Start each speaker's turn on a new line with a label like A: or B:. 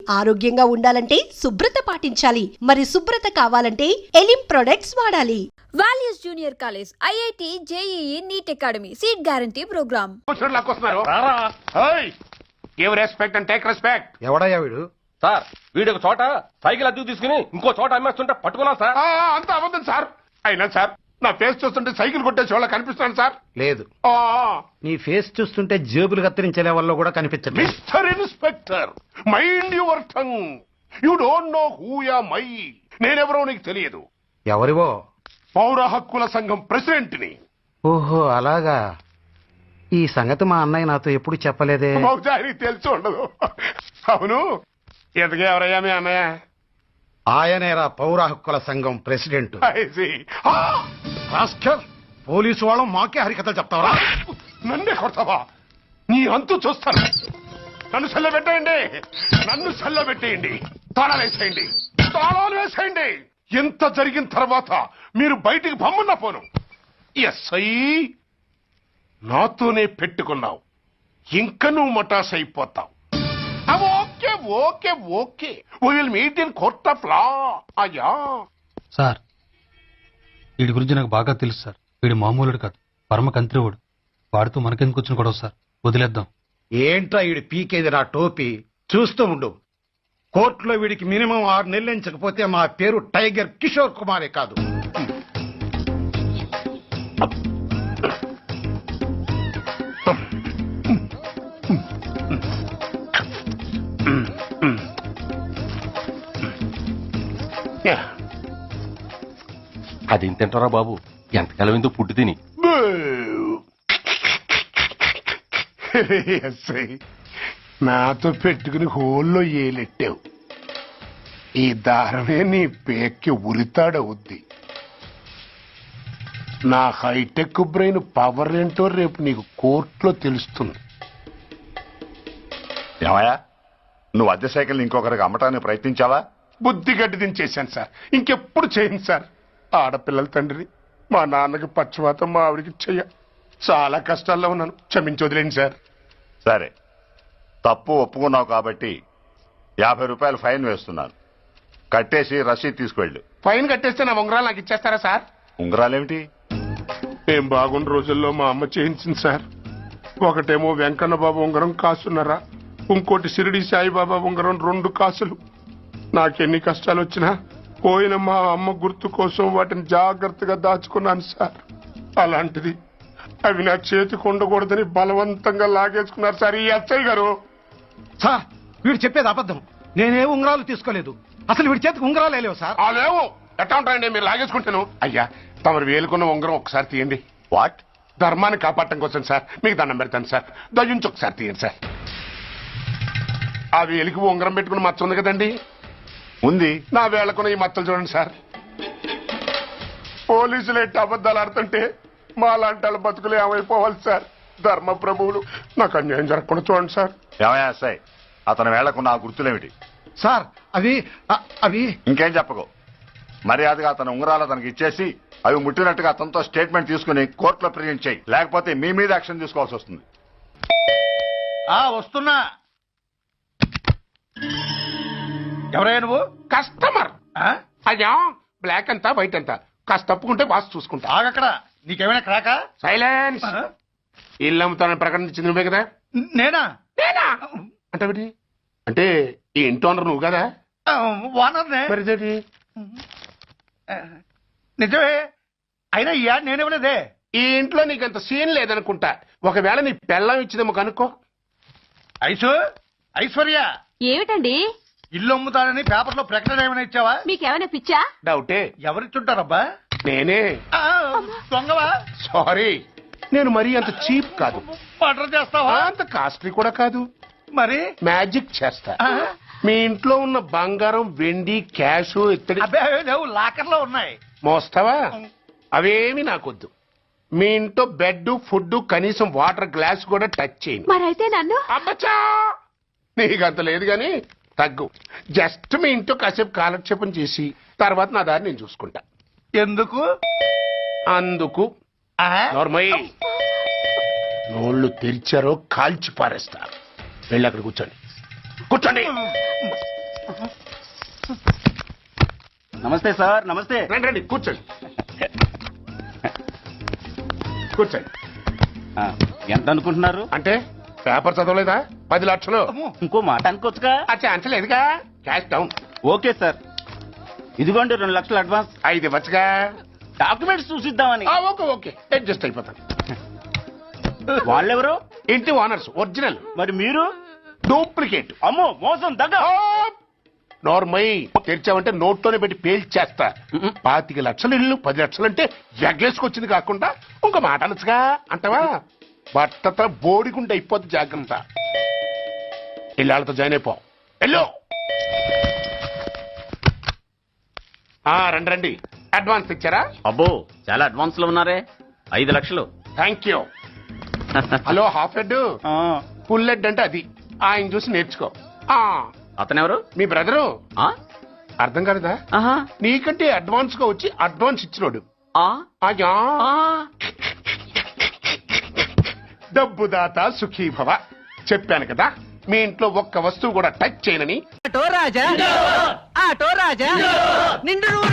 A: ఆరోగ్యంగా ఉండాలంటే శుభ్రత పాటించాలి. మరి శుభ్రత కావాలంటే ఎలిం ప్రొడక్ట్స్ వాడాలి.
B: Values junior college, IIT, JEE, NEET academy, seat guarantee programme.
C: ఎవడయ్యా వీడు?
D: సార్ వీడు ఒక చోట సైకిల్ అద్దెకు తీసుకుని ఇంకో చోట అమ్మేస్తుంటే పట్టుకున్నాం సార్.
E: అంత అబద్ధం సార్. అయినా సార్ నా ఫేస్ చూస్తుంటే సైకిల్ కొట్టేసి వాళ్ళ కనిపిస్తున్నాను సార్.
C: లేదు, నీ ఫేస్ చూస్తుంటే జేబులు కత్తిరించే లెవెల్లో కూడా కనిపించట్లేదు.
E: Mister inspector, mind your tongue. You don't know who I am. నేనెవరో నీకు తెలియదు.
C: ఎవరివో?
E: పౌర హక్కుల సంఘం ప్రెసిడెంట్ ని.
C: ఓహో అలాగా. ఈ సంగతి మా అన్నయ్య నాతో ఎప్పుడు చెప్పలేదే.
E: బహుశా ఆయనకి తెలిసి ఉండదు. అవును, ఎదగా ఎవరయ్యా మీ అన్నయ్య?
C: ఆయనేరా పౌర హక్కుల సంఘం president.
E: I see.
C: Rascal, police వాళ్ళం మాకే హరికథలు చెప్తావరా?
E: నన్నే కొడతావా? నీ అంతు చూస్తాను. నన్ను సెల్లబెట్టేయండి, నన్ను సెల్లబెట్టేయండి. తాళాలు వేసేయండి, తాళాలు వేసేయండి. ఎంత జరిగిన తర్వాత మీరు బయటికి పమ్మున్నా పోను. ఎస్ఐ నాతోనే పెట్టుకున్నావు, ఇంక నువ్వు మటాస్ అయిపోతావు. Okay okay okay, we will meet in court of law. అయ్యా
F: సార్, వీడి గురించి నాకు బాగా తెలుసు సార్. వీడు మామూలుడు కాదు, పరమ కంత్రివుడు. వాడితో మనకెందుకు వచ్చిన గొడవ సార్, వదిలేద్దాం.
C: ఏంట్రా వీడి పీకేది నా టోపీ? చూస్తూ ఉండు. కోర్టులో వీడికి మినిమం 6 నెలలు ఎంచకపోతే మా పేరు టైగర్ కిషోర్ కుమారే కాదు.
D: అది తింటారా బాబు? ఎంతకాలం ఎందుకు పుట్టి తిని.
E: ఎస్ఐ నాతో పెట్టుకుని హోల్లో ఏలెట్టావు. ఈ దారమే నీ పేక్కి ఉరితాడవుద్ది. నా హైటెక్ బ్రెయిన్ పవర్ ఏంటో రేపు నీకు కోర్టులో తెలుస్తుంది.
G: ఏమయ్యా, నువ్వు అద్దె సైకిల్ ఇంకొకరికి అమ్మటానికి ప్రయత్నించావా?
E: బుద్ధి గడ్డి దించేశాను సార్, ఇంకెప్పుడు చేయను సార్. ఆడపిల్లల తండ్రిని, మా నాన్నకి పక్షవాతం, మా ఆవిడికి చెయ్య. చాలా కష్టాల్లో ఉన్నాను, క్షమించి వదిలేండి సార్.
G: సరే, తప్పు ఒప్పుకున్నావు కాబట్టి 50 రూపాయలు ఫైన్ వేస్తున్నాను. కట్టేసి రసీదు తీసుకువెళ్ళు.
E: ఫైన్ కట్టేస్తే నా ఉంగరాలు నాకు ఇచ్చేస్తారా సార్?
G: ఉంగరాలేమిటి?
E: ఏం బాగున్న రోజుల్లో మా అమ్మ చేయించింది సార్. ఒకటేమో వెంకన్న బాబు ఉంగరం కాసున్నరా, ఇంకోటి షిరిడి సాయిబాబా ఉంగరం 2 కాసులు. నాకెన్ని కష్టాలు వచ్చినా పోయిన మా అమ్మ గుర్తు కోసం వాటిని జాగ్రత్తగా దాచుకున్నాను సార్. అలాంటిది అవి నా చేతికి ఉండకూడదని బలవంతంగా లాగేసుకున్నారు సార్ ఈ ఎస్ఐ గారు.
C: సార్, వీడు చెప్పేది అబద్ధం. నేనే ఉంగరాలు తీసుకోలేదు. అసలు వీడి చేతికి ఉంగరాలు లేవు సార్.
E: లేవు, ఎట్లా ఉంటాయండి మీరు లాగేసుకుంటాను. అయ్యా, తమరు వేలుకున్న ఉంగరం ఒకసారి తీయండి.
G: వాట్?
E: ధర్మాన్ని కాపాడటం కోసం సార్, మీకు దండం పెడతాను సార్. దయ్యుంచి ఒకసారి తీయండి సార్. ఆ వేలికి ఉంగరం పెట్టుకుని మచ్చ ఉంది కదండి,
G: ఉంది.
E: నా వేళకున్న ఈ మచ్చలు చూడండి సార్. పోలీసులు ఎట్టి అబద్ధాలు ఆడుతుంటే మా లాంటి వాళ్ళ బతుకులు ఏమైపోవాలి సార్. ధర్మ ప్రభువులు, నాకు అన్యాయం జరగకుండా చూడండి సార్.
G: ఏమయ్యా సాయి, అతని వేళ్లకున్న ఆ గుర్తులేమిటి?
C: సార్, అవి
G: ఇంకేం చెప్పకు. మర్యాదగా అతని ఉంగరాలు అతనికి ఇచ్చేసి అవి ముట్టినట్టుగా అతనితో స్టేట్మెంట్ తీసుకుని కోర్టులో ప్రజెంట్ చేయి. లేకపోతే మీ మీద యాక్షన్ తీసుకోవాల్సి వస్తుంది.
C: వస్తున్నా. ఎవరయ్యా నువ్వు?
E: కస్టమర్. అయ్యా, బ్లాక్ అంతా వైట్ అంతా కాస్త తప్పుకుంటే వాసు చూసుకుంటా.
C: ఆగక్కడ, నీకేమైనా క్రాకా?
E: సైలెన్స్. ఇల్లు అమ్ముతానని ప్రకటించింది నువ్వే కదా?
C: నేనా?
E: అంటే అంటే ఈ ఇంటి ఓనర్ నువ్వు కదా?
C: ఓనర్నే.
E: మరి ఇదేంటి?
C: నిజమే, అయినా ఈ యాడ్ నేనేమలేదే.
E: ఈ ఇంట్లో నీకంత సీన్ లేదనుకుంటా. ఒకవేళ నీ పెళ్ళం ఇచ్చిందేమో కనుక్కో.
C: ఐశ్వర్య,
H: ఏమిటండి?
C: ఇల్లు అమ్ముతానని పేపర్లో ప్రకటన ఏమైనా ఇచ్చావా?
H: మీకేమైనా పిచ్చా?
E: డౌటే.
C: ఎవరిచ్చుంటారబ్బా?
E: నేనే.
C: దొంగవా?
E: సారీ, నేను మరీ అంత చీప్ కాదు.
C: మర్డర్ చేస్తావా?
E: అంత కాస్ట్లీ కూడా కాదు.
C: మరి
E: మ్యాజిక్ చేస్తా. మీ ఇంట్లో ఉన్న బంగారం, వెండి, క్యాష్, ఇత్తడి
C: లేవు, లాకర్ లో ఉన్నాయి.
E: మోస్తావా? అవేమి నాకొద్దు. మీ ఇంట్లో బెడ్, ఫుడ్, కనీసం వాటర్ గ్లాస్ కూడా టచ్ చేయను.
H: మరైతే నన్ను?
E: అబ్బచ్చా, నీకంత లేదు గాని తగ్గు. జస్ట్ మీ ఇంట్లో కాసేపు కాలక్షేపం చేసి తర్వాత నా దారి నేను చూసుకుంటా.
C: ఎందుకు?
E: అందుకు. నోర్మయ్య, నోళ్ళు తెరిచారో కాల్చి పారేస్తా. వెళ్ళి అక్కడ కూర్చోండి. కూర్చోండి.
H: నమస్తే సార్, నమస్తే.
E: రండి రండి కూర్చోండి కూర్చోండి.
H: ఆ, ఎంత అనుకుంటున్నారు?
E: అంటే పేపర్ చదవలేదా? 10 లక్షలు.
H: ఇంకో మాట అనుకోవచ్చుగా.
E: అచ్చా అంచలేదుగా. Cash down.
H: ఓకే సార్, ఇదిగోండి 2 లక్షలు అడ్వాన్స్.
E: 5 ఇవ్వచ్చుగా.
H: డాక్యుమెంట్స్ చూసిద్దామని.
E: ఓకే ఓకే అడ్జస్ట్ అయిపోతాను.
H: వాళ్ళెవరు?
E: ఇంటి ఓనర్స్ ఒరిజినల్,
H: మరి మీరు?
E: డూప్లికేట్.
H: అమ్మో, మోసం దగ్గర.
E: నోర్మై తెరిచావంటే నోట్తోనే పెట్టి పేల్చేస్తా. 25 లక్షలు ఇల్లు 10 లక్షలు అంటే ఎగ్గేసుకొచ్చింది కాకుండా ఇంకో మాట అనొచ్చుగా అంటావా? బట్టతో బోడిగుండి అయిపోద్ది, జాగ్రత్త. ఇళ్ళతో జాయిన్ అయిపో. ఎల్లో రండి రండి. అడ్వాన్స్ ఇచ్చారా?
H: అబ్బో, చాలా అడ్వాన్స్ లో ఉన్నారే. 5 లక్షలు.
E: Thank you. Hello half head,
H: ఆ,
E: ఫుల్ హెడ్ అంటే అది. ఆయన చూసి నేర్చుకో.
H: అతనెవరు?
E: మీ బ్రదరు.
H: ఆ,
E: అర్థం కాలేదా?
H: ఆహా,
E: నీకంటే అడ్వాన్స్ గా వచ్చి అడ్వాన్స్ ఇచ్చినోడు.
H: ఆ,
E: అయ్యా,
H: ఆ.
E: డబ్బు దాత సుఖీభవ. చెప్పాను కదా మీ ఇంట్లో ఒక్క వస్తువు కూడా టచ్ చేయనని.
I: ఆటో రాజా నిండు